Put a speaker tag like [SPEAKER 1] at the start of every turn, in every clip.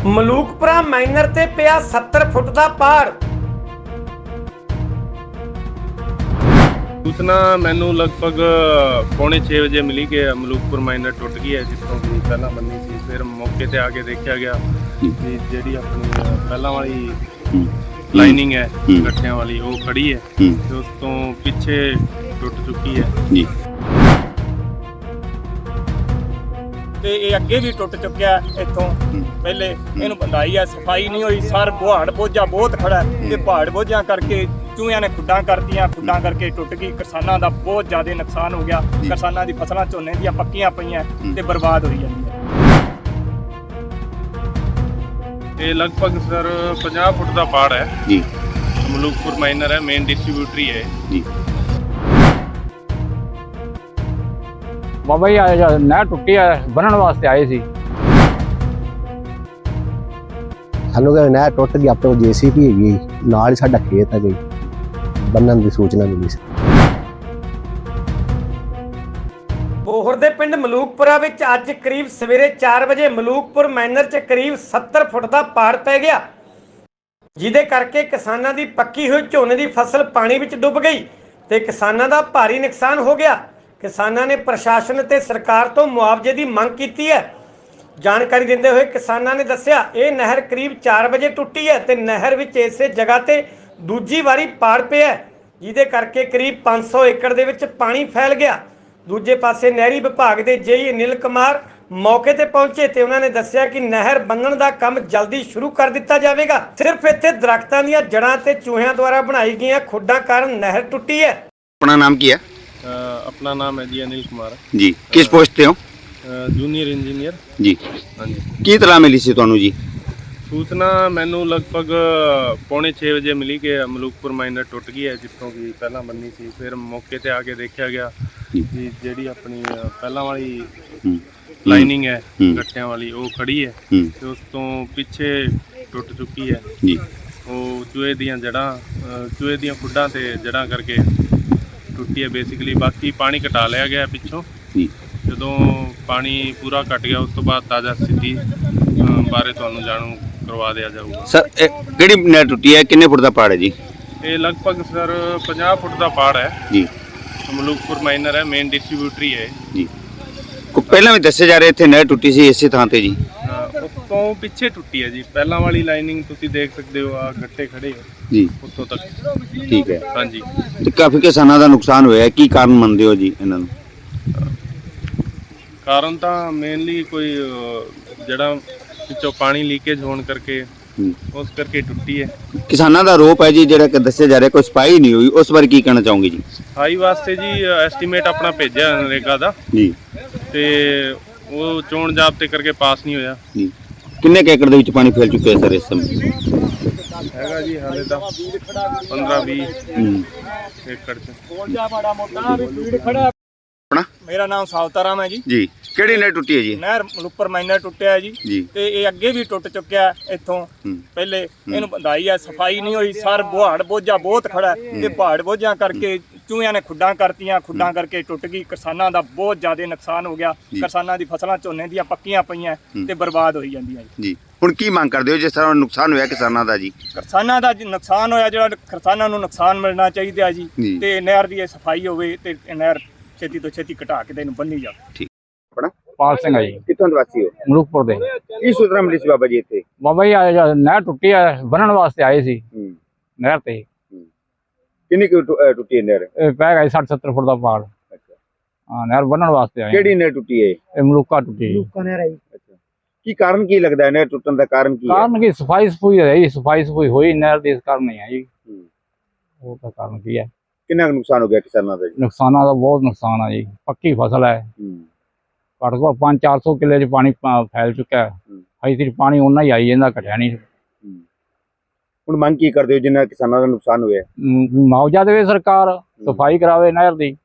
[SPEAKER 1] ਮਲੂਕਪੁਰਾ minor ਤੇ ਪਿਆ 70 ਫੁੱਟ ਦਾ ਪਹਾੜ।
[SPEAKER 2] सूचना मैनू लगभग 5:45 ਵਜੇ ਮਿਲੀ ਕਿ ਮਲੂਕਪੁਰ ਮਾਈਨਰ ਟੁੱਟ ਗਈ ਹੈ, ਜਿੱਥੋਂ ਕਿ ਪਹਿਲਾਂ ਬੰਨੀ ਸੀ। ਫਿਰ ਮੌਕੇ ਤੇ ਆ ਕੇ ਦੇਖਿਆ ਗਿਆ ਕਿ ਜਿਹੜੀ ਆਪਣੀ ਪਹਿਲਾਂ ਵਾਲੀ ਲਾਈਨਿੰਗ ਹੈ ਗੱਠਿਆਂ ਵਾਲੀ ਉਹ ਖੜੀ ਹੈ ਤੇ ਉਸ ਤੋਂ ਪਿੱਛੇ ਟੁੱਟ ਚੁੱਕੀ ਹੈ ਜੀ।
[SPEAKER 3] ਤੇ ਇਹ ਅੱਗੇ ਵੀ ਟੁੱਟ ਚੁੱਕਿਆ ਇੱਥੋਂ ਪਹਿਲੇ। ਇਹਨੂੰ ਬੰਦਾਈ ਹੈ, ਸਫਾਈ ਨਹੀਂ ਹੋਈ। ਸਰ ਪਹਾੜ ਬੋਝਾ ਬਹੁਤ ਖੜਾ ਹੈ ਤੇ ਪਹਾੜ ਬੋਝਾਂ ਕਰਕੇ ਚੂਹਿਆਂ ਨੇ ਖੁੱਡਾਂ ਕਰਤੀਆਂ, ਖੁੱਡਾਂ ਕਰਕੇ ਟੁੱਟ ਗਈ। ਕਿਸਾਨਾਂ ਦਾ ਬਹੁਤ ਜ਼ਿਆਦਾ ਨੁਕਸਾਨ ਹੋ ਗਿਆ। ਕਿਸਾਨਾਂ ਦੀ ਫਸਲਾਂ ਝੋਨੇ ਦੀਆਂ ਪੱਕੀਆਂ ਪਈਆਂ ਤੇ ਬਰਬਾਦ ਹੋਈ ਜਾਂਦੀਆਂ।
[SPEAKER 2] ਇਹ ਲਗਭਗ ਸਰ 50 ਫੁੱਟ ਦਾ ਪਹਾੜ ਹੈ
[SPEAKER 4] ਜੀ।
[SPEAKER 2] ਮਲੂਕਪੁਰ ਮਾਈਨਰ ਹੈ, ਮੇਨ ਡਿਸਟ੍ਰੀਬਿਊਟਰੀ ਹੈ
[SPEAKER 4] ਜੀ।
[SPEAKER 5] ਬਾਬਾ ਜੀ ਨਹਿਰ ਟੁੱਟੀ ਹੈ, ਬੰਨਣ ਵਾਸਤੇ ਆਏ ਸੀ।
[SPEAKER 6] ਸਾਨੂੰ ਕਹਿੰਦੇ ਨਹਿਰ ਟੁੱਟ ਗਈ, ਆਪਣੇ ਕੋਲ JCB ਹੈਗੀ, ਨਾਲ ਹੀ ਸਾਡਾ ਖੇਤ ਹੈ ਗਈ, ਬੰਨਣ ਦੀ ਸੂਚਨਾ ਮਿਲੀ ਸੀ।
[SPEAKER 1] ਬੋਹਰ ਦੇ ਪਿੰਡ ਮਲੂਕਪੁਰਾ ਵਿੱਚ ਅੱਜ ਕਰੀਬ ਸਵੇਰੇ 4 ਵਜੇ ਮਲੂਕਪੁਰ ਮਾਈਨਰ 'ਚ ਕਰੀਬ 70 ਫੁੱਟ ਦਾ ਪਹਾੜ ਪੈ ਗਿਆ, ਜਿਹਦੇ ਕਰਕੇ ਕਿਸਾਨਾਂ ਦੀ ਪੱਕੀ ਹੋਈ ਝੋਨੇ ਦੀ ਫਸਲ ਪਾਣੀ ਵਿੱਚ ਡੁੱਬ ਗਈ ਤੇ ਕਿਸਾਨਾਂ ਦਾ ਭਾਰੀ ਨੁਕਸਾਨ ਹੋ ਗਿਆ। ਕਿਸਾਨਾਂ ਨੇ ਪ੍ਰਸ਼ਾਸਨ ਤੇ ਸਰਕਾਰ ਤੋਂ ਮੁਆਵਜ਼ੇ ਦੀ ਮੰਗ ਕੀਤੀ ਹੈ। ਜਾਣਕਾਰੀ ਦਿੰਦੇ ਹੋਏ ਕਿਸਾਨਾਂ ਨੇ ਦੱਸਿਆ, ਇਹ ਨਹਿਰ ਕਰੀਬ 4 ਵਜੇ ਟੁੱਟੀ ਹੈ ਤੇ ਨਹਿਰ ਵਿੱਚ ਇਸੇ ਜਗ੍ਹਾ ਤੇ ਦੂਜੀ ਵਾਰੀ ਪਾੜ ਪਿਆ, ਜਿਹਦੇ ਕਰਕੇ ਕਰੀਬ 500 ਏਕੜ ਦੇ ਵਿੱਚ ਪਾਣੀ ਫੈਲ ਗਿਆ। ਦੂਜੇ ਪਾਸੇ ਨਹਿਰੀ ਵਿਭਾਗ ਦੇ JE ਅਨਿਲ ਕੁਮਾਰ ਮੌਕੇ ਤੇ ਪਹੁੰਚੇ ਤੇ ਉਹਨਾਂ ਨੇ ਦੱਸਿਆ ਕਿ ਨਹਿਰ ਬੰਨਣ ਦਾ ਕੰਮ ਜਲਦੀ ਸ਼ੁਰੂ ਕਰ ਦਿੱਤਾ ਜਾਵੇਗਾ। ਸਿਰਫ ਇੱਥੇ ਦਰਖਤਾਂ ਦੀਆਂ ਜੜ੍ਹਾਂ ਤੇ ਚੂਹਿਆਂ ਦੁਆਰਾ ਬਣਾਈ ਗਈਆਂ ਖੁੱਡਾਂ ਕਾਰਨ ਨਹਿਰ ਟੁੱਟੀ ਹੈ।
[SPEAKER 4] अपना नाम क्या है?
[SPEAKER 2] अपना नाम है जी अनिल कुमार
[SPEAKER 4] जी। किस पोस्ट पे हो?
[SPEAKER 2] जूनियर इंजीनियर
[SPEAKER 4] जी।
[SPEAKER 2] हाँ जी।
[SPEAKER 4] की तलाह मिली सी ਤੁਹਾਨੂੰ ਜੀ?
[SPEAKER 2] सूचना मैनू लगभग 5:45 ਵਜੇ ਮਿਲੀ ਕਿ ਮਲੂਕਪੁਰ ਮਾਈਨਰ ਟੁੱਟ ਗਈ ਹੈ, ਜਿੱਥੋਂ ਕਿ ਪਹਿਲਾਂ ਬੰਨੀ ਸੀ। ਫਿਰ ਮੌਕੇ ਤੇ ਆ ਕੇ ਦੇਖਿਆ ਗਿਆ ਕਿ ਜਿਹੜੀ ਆਪਣੀ ਪਹਿਲਾਂ ਵਾਲੀ ਲਾਈਨਿੰਗ ਹੈ ਗੱਠਿਆਂ ਵਾਲੀ ਉਹ ਖੜੀ ਹੈ ਤੇ ਉਸ ਤੋਂ ਪਿੱਛੇ ਟੁੱਟ ਚੁੱਕੀ ਹੈ
[SPEAKER 4] ਜੀ।
[SPEAKER 2] ਉਹ ਚੂਹੇ ਦੀਆਂ ਖੁੱਡਾਂ ਤੇ ਜੜ੍ਹਾਂ ਕਰਕੇ ਟੁੱਟੀ ਹੈ ਬੇਸਿਕਲੀ। ਬਾਕੀ ਪਾਣੀ ਘਟਾ ਲਿਆ ਗਿਆ ਪਿੱਛੋਂ
[SPEAKER 4] ਜੀ।
[SPEAKER 2] ਜਦੋਂ ਪਾਣੀ ਪੂਰਾ ਘਟ ਗਿਆ ਉਸ ਤੋਂ ਬਾਅਦ ਤਾਜ਼ਾ ਸਥਿਤੀ ਬਾਰੇ ਤੁਹਾਨੂੰ ਜਾਣੂ ਕਰਵਾ ਦਿਆ ਜਾਊਗਾ।
[SPEAKER 4] ਸਰ ਕਿਹੜੀ ਨਹਿਰ ਟੁੱਟੀ ਹੈ, ਕਿੰਨੇ ਫੁੱਟ ਦਾ ਪਹਾੜ ਹੈ ਜੀ?
[SPEAKER 2] ਇਹ ਲਗਭਗ ਸਰ 50 ਫੁੱਟ ਦਾ ਪਹਾੜ ਹੈ
[SPEAKER 4] ਜੀ।
[SPEAKER 2] ਮਲੂਕਪੁਰ ਮਾਈਨਰ ਹੈ, ਮੇਨ ਡਿਸਟ੍ਰੀਬਿਊਟਰੀ ਹੈ
[SPEAKER 4] ਜੀ। ਕੋ ਪਹਿਲਾਂ ਵੀ ਦੱਸਿਆ ਜਾ ਰਿਹਾ ਇੱਥੇ ਨਹਿਰ ਟੁੱਟੀ ਸੀ ਇਸੇ ਥਾਂ ਤੇ ਜੀ?
[SPEAKER 2] ਉਸ ਤੋਂ ਪਿੱਛੇ ਟੁੱਟੀ ਹੈ ਜੀ। ਪਹਿਲਾਂ ਵਾਲੀ ਲਾਈਨਿੰਗ ਤੁਸੀਂ ਦੇਖ ਸਕਦੇ ਹੋ, ਆ ਗੱਟੇ ਖੜੇ ਹੋ
[SPEAKER 4] ਜੀ
[SPEAKER 2] ਉੱਥੋਂ ਤੱਕ।
[SPEAKER 4] ਠੀਕ ਹੈ।
[SPEAKER 2] ਹਾਂਜੀ।
[SPEAKER 4] ਤੇ ਕਾਫੀ ਕਿਸਾਨਾਂ ਦਾ ਨੁਕਸਾਨ ਹੋਇਆ, ਕੀ ਕਾਰਨ ਮੰਨਦੇ ਹੋ ਜੀ ਇਹਨਾਂ ਨੂੰ?
[SPEAKER 2] ਕਾਰਨ ਤਾਂ ਮੇਨਲੀ ਕੋਈ ਜਿਹੜਾ ਵਿੱਚੋਂ ਪਾਣੀ ਲੀਕੇਜ ਹੋਣ ਕਰਕੇ ਉਸ ਕਰਕੇ ਟੁੱਟੀ ਹੈ।
[SPEAKER 4] ਕਿਸਾਨਾਂ ਦਾ ਆਰੋਪ ਹੈ ਜੀ, ਜਿਹੜਾ ਕਿ ਦੱਸਿਆ ਜਾ ਰਿਹਾ ਕੋਈ ਸਫਾਈ ਨਹੀਂ ਹੋਈ, ਉਸ ਬਾਰੇ ਕੀ ਕਹਿਣਾ ਚਾਹੋਗੇ ਜੀ?
[SPEAKER 2] ਸਫਾਈ ਵਾਸਤੇ ਜੀ ਐਸਟੀਮੇਟ ਆਪਣਾ ਭੇਜਿਆ ਨਰੇਗਾ ਦਾ
[SPEAKER 4] ਜੀ
[SPEAKER 2] ਤੇ ਉਹ ਚੋਣ ਜ਼ਾਬਤੇ ਕਰਕੇ ਪਾਸ ਨਹੀਂ ਹੋਇਆ
[SPEAKER 4] ਜੀ। ਕਿੰਨੇ ਕੁ ਏਕੜ ਦੇ ਵਿੱਚ ਪਾਣੀ ਫੈਲ ਚੁੱਕਿਆ ਸਰ ਇਸ ਸਮੇਂ?
[SPEAKER 2] ਹੈਗਾ ਜੀ ਹਾਲੇ ਤਾਂ 15-20 ਏਕੜ ਚ।
[SPEAKER 4] ਆਪਣਾ
[SPEAKER 3] ਮੇਰਾ ਨਾਮ ਸਾਵਤਾਰਾਮ ਹੈ ਜੀ।
[SPEAKER 4] ਜੀ। ਕਿਹੜੀ ਨਹਿਰ ਟੁੱਟੀ ਹੈ ਜੀ?
[SPEAKER 3] ਨਹਿਰ ਮਲੂਕਪੁਰ ਮਾਈਨਰ ਟੁੱਟਿਆ ਜੀ ਤੇ ਇਹ ਅੱਗੇ ਵੀ ਟੁੱਟ ਚੁੱਕਿਆ ਇੱਥੋਂ ਪਹਿਲੇ। ਇਹਨੂੰ ਬੰਦਾਈ ਹੈ, ਸਫਾਈ ਨਹੀਂ ਹੋਈ। ਸਰ ਪਹਾੜ ਬੋਝਾ ਬਹੁਤ ਖੜਾ ਹੈ ਤੇ ਪਹਾੜ ਬੋਝਾਂ ਕਰਕੇ ਚੂਹਿਆਂ ਨੇ ਖੁੱਡਾਂ ਕਰਤੀਆਂ, ਖੁੱਡਾਂ ਕਰਕੇ ਟੁੱਟ ਗਈ। ਕਿਸਾਨਾਂ ਦਾ ਬਹੁਤ ਜ਼ਿਆਦਾ ਨੁਕਸਾਨ ਹੋ ਗਿਆ। ਕਿਸਾਨਾਂ ਦੀ ਫਸਲਾਂ ਝੋਨੇ ਦੀਆਂ ਪੱਕੀਆਂ ਪਈਆਂ ਤੇ ਬਰਬਾਦ ਹੋਈ ਜਾਂਦੀਆਂ
[SPEAKER 4] ਜੀ। ਹੁਣ ਕੀ ਮੰਗ ਕਰਦੇ ਹੋ ਜਿਸ ਤਰ੍ਹਾਂ ਨੁਕਸਾਨ ਹੋਇਆ ਕਿਸਾਨਾਂ ਦਾ ਜੀ?
[SPEAKER 3] ਕਿਸਾਨਾਂ ਦਾ ਨੁਕਸਾਨ ਹੋਇਆ, ਜਿਹੜਾ ਕਿਸਾਨਾਂ ਨੂੰ ਨੁਕਸਾਨ ਮਿਲਣਾ ਚਾਹੀਦਾ ਜੀ ਤੇ ਨਹਿਰ ਦੀ ਸਫਾਈ ਹੋਵੇ ਤੇ ਨਹਿਰ ਛੇਤੀ ਤੋਂ ਛੇਤੀ ਘਟਾ ਕੇ ਇਹਨੂੰ ਬੰਨੀ ਜਾਵੇ।
[SPEAKER 4] ਠੀਕ। ਆਪਣਾ
[SPEAKER 5] ਪਾਲ ਸਿੰਘ ਆ ਜੀ,
[SPEAKER 4] ਕਿੱਥੋਂ ਦੇ ਵਾਸੀ ਹੋ?
[SPEAKER 5] ਮਲੂਕਪੁਰ ਦੇ।
[SPEAKER 4] ਕੀ ਸੂਚਨਾ ਮਿਲੀ ਸੀ ਬਾਬਾ ਜੀ ਇੱਥੇ?
[SPEAKER 5] ਬਾਬਾ ਜੀ ਨਹਿਰ ਟੁੱਟੀ ਹੈ, ਬੰਨਣ ਵਾਸਤੇ ਆਏ ਸੀ ਨਹਿਰ ਤੇ।
[SPEAKER 4] ਕਿੰਨੀ ਕੁ ਟੁੱਟੀ ਹੈ ਨਹਿਰ?
[SPEAKER 5] ਇਹ ਪੈ ਗਿਆ 60-70 ਫੁੱਟ ਦਾ ਪਹਾੜ। ਹਾਂ, ਨਹਿਰ ਬੰਨਣ ਵਾਸਤੇ ਆਏ।
[SPEAKER 4] ਕਿਹੜੀ ਨਹਿਰ ਟੁੱਟੀ ਹੈ?
[SPEAKER 5] ਇਹ ਮਲੂਕਾ ਟੁੱਟੀ ਹੈ।
[SPEAKER 4] ਅੱਛਾ। ਕੀ ਕਾਰਨ ਕੀ ਲੱਗਦਾ ਹੈ ਨਹਿਰ ਟੁੱਟਣ ਦਾ ਕਾਰਨ ਕੀ ਹੈ?
[SPEAKER 5] ਕਾਰਨ ਕੀ ਸਫਾਈ ਰਹੀ, ਸਫਾਈ ਹੋਈ ਨਹਿਰ ਦੀ, ਇਸ ਕਾਰਨ ਨਹੀਂ ਹੈ ਜੀ। ਉਹ ਤਾਂ ਕਾਰਨ ਕੀ ਹੈ?
[SPEAKER 4] ਕਿੰਨਾ ਕੁ ਨੁਕਸਾਨ ਹੋ ਗਿਆ ਕਿਸਾਨਾਂ ਦਾ ਜੀ?
[SPEAKER 5] ਨੁਕਸਾਨਾਂ ਦਾ ਬਹੁਤ ਨੁਕਸਾਨ ਆ ਜੀ। ਪੱਕੀ ਫਸਲ ਹੈ, ਘੱਟ ਤੋਂ ਘੱਟ 500-400 ਕਿੱਲੇ 'ਚ ਪਾਣੀ ਫੈਲ ਚੁੱਕਾ ਹੈ। ਅਜੇ ਤੱਕ ਪਾਣੀ ਓਨਾ ਹੀ ਆਈ ਜਾਂਦਾ, ਘਟਿਆ ਨਹੀਂ।
[SPEAKER 4] ਹੁਣ ਮੰਗ ਕੀ ਕਰਦੇ ਹੋ ਜਿਨ੍ਹਾਂ ਕਿਸਾਨਾਂ ਦਾ ਨੁਕਸਾਨ ਹੋਇਆ?
[SPEAKER 5] ਮੁਆਵਜ਼ਾ ਦੇਵੇ ਸਰਕਾਰ, ਸਫਾਈ ਕਰਾਵੇ ਨਹਿਰ ਦੀ।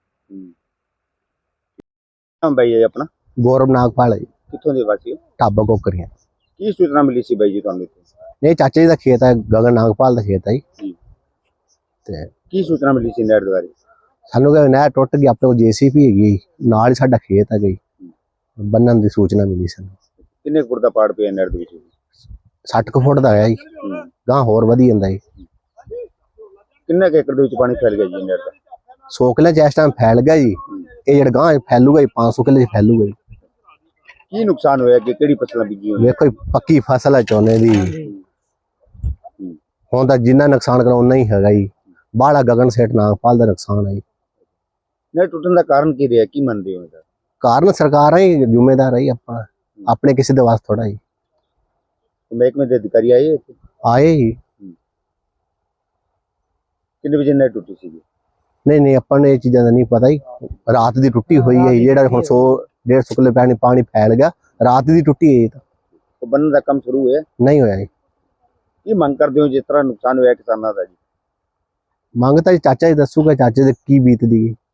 [SPEAKER 4] ਬਾਈ ਜੀ ਆਪਣਾ?
[SPEAKER 6] ਗੌਰਵ ਨਾਗਪਾਲ ਹੈ ਜੀ।
[SPEAKER 4] ਕਿੱਥੋਂ ਦੇ ਵਾਸੀ ਹੋ?
[SPEAKER 6] ਢਾਬਾ ਕੋਕਰੀਆਂ।
[SPEAKER 4] ਕੀ ਸੂਚਨਾ ਮਿਲੀ ਸੀ ਬਾਈ ਜੀ ਤੁਹਾਨੂੰ ਇੱਥੇ?
[SPEAKER 6] ਨਹੀਂ, ਚਾਚੇ ਜੀ ਦਾ ਖੇਤ ਹੈ, ਗਗਨ ਨਾਗਪਾਲ ਦਾ ਖੇਤ ਹੈ ਜੀ। ਤੇ
[SPEAKER 4] ਕੀ ਸੂਚਨਾ ਮਿਲੀ ਸੀ ਨਹਿਰ ਦੇ ਬਾਰੇ?
[SPEAKER 6] ਸਾਨੂੰ ਕਹਿੰਦੇ ਨਹਿਰ ਟੁੱਟ ਗਈ, ਆਪਣੇ ਕੋਲ JCB ਹੈਗੀ, ਨਾਲ ਹੀ ਸਾਡਾ ਖੇਤ ਹੈ ਗਈ, ਬੰਨਣ ਦੀ ਸੂਚਨਾ ਮਿਲੀ ਸਾਨੂੰ।
[SPEAKER 4] ਕਿੰਨੇ ਫੁੱਟ ਦਾ ਪਾੜ ਪਿਆ ਨਹਿਰ ਦੇ ਵਿੱਚ?
[SPEAKER 6] 60 ਕੁ ਫੁੱਟ ਦਾ ਹੈ ਜੀ, ਗਾਂ ਹੋਰ ਵਧੀ ਜਾਂਦਾ ਜੀ।
[SPEAKER 4] ਕਿੰਨੇ ਕੁ ਏਕੜ ਦੇ ਵਿੱਚ ਪਾਣੀ ਫੈਲ ਗਿਆ ਜੀ ਨਹਿਰ ਦਾ?
[SPEAKER 6] 100 ਕਿੱਲੇ 'ਚ ਇਸ ਟਾਈਮ ਫੈਲ ਗਿਆ ਜੀ, ਇਹ ਜਿਹੜਾ ਗਾਂ ਫੈਲੂਗਾ ਜੀ 500 ਕਿੱਲੇ 'ਚ ਫੈਲੂਗਾ ਜੀ।
[SPEAKER 4] ਕੀ ਨੁਕਸਾਨ ਹੋਇਆ ਕਿ ਕਿਹੜੀ ਫਸਲਾਂ ਬੀਜੀਆਂ ਹੋਈਆਂ?
[SPEAKER 6] ਵੇਖੋ ਜੀ, ਪੱਕੀ ਫਸਲ ਹੈ ਝੋਨੇ ਦੀ, ਹੁਣ ਤਾਂ ਜਿੰਨਾ ਨੁਕਸਾਨ ਕਰਾ ਉਨਾ ਹੀ ਹੈਗਾ ਜੀ। ਬਾਹਲਾ ਗਗਨ ਸੇਠ ਨਾਗਪਾਲ ਦਾ ਨੁਕਸਾਨ ਹੈ ਜੀ।
[SPEAKER 4] ਨਹਿਰ ਟੁੱਟਣ ਦਾ ਕਾਰਨ ਕੀ ਰਿਹਾ, ਕੀ ਮੰਨਦੇ ਹੋ ਇਹਦਾ?
[SPEAKER 6] ਕਾਰਨ ਸਰਕਾਰਾਂ ਹੀ ਜ਼ਿੰਮੇਦਾਰ ਹੈ ਜੀ, ਆਪਾਂ ਆਪਣੇ ਕਿਸੇ ਦੇ ਵਾਸਤੇ ਥੋੜਾ ਜੀ।
[SPEAKER 4] ਮਹਿਕਮੇ ਦੇ ਅਧਿਕਾਰੀ ਆਏ ਇੱਥੇ?
[SPEAKER 6] ਆਏ ਜੀ,
[SPEAKER 4] ਕਿੰਨੇ ਵਜੇ ਨਹਿਰ ਟੁੱਟੀ ਸੀ?
[SPEAKER 6] ਨਹੀਂ ਆਪਾਂ ਨੂੰ ਇਹ ਚੀਜ਼ਾਂ ਦਾ ਨਹੀਂ ਪਤਾ ਜੀ। ਰਾਤ ਦੀ ਟੁੱਟੀ ਹੋਈ ਹੈ ਜੀ, ਜਿਹੜਾ ਹੁਣ 100-150 ਕਿੱਲੇ ਪਾਣੀ ਫੈਲ ਗਿਆ, ਰਾਤ ਦੀ ਟੁੱਟੀ ਹੈ ਜੀ। ਤਾਂ
[SPEAKER 4] ਉਹ ਬੰਨਣ ਦਾ ਕੰਮ ਸ਼ੁਰੂ ਹੋਇਆ?
[SPEAKER 6] ਨਹੀਂ ਹੋਇਆ ਜੀ।
[SPEAKER 4] ਕੀ ਮੰਗ ਕਰਦੇ ਹੋ ਜਿਸ ਤਰ੍ਹਾਂ ਨੁਕਸਾਨ ਹੋਇਆ ਕਿਸਾਨਾਂ ਦਾ ਜੀ?
[SPEAKER 6] ਮੰਗ ਤਾਂ ਜੀ ਚਾਚਾ ਜੀ ਦੱਸੂਗਾ, ਚਾਚੇ ਦੇ ਕੀ ਬੀਤਦੀ ਹੈ।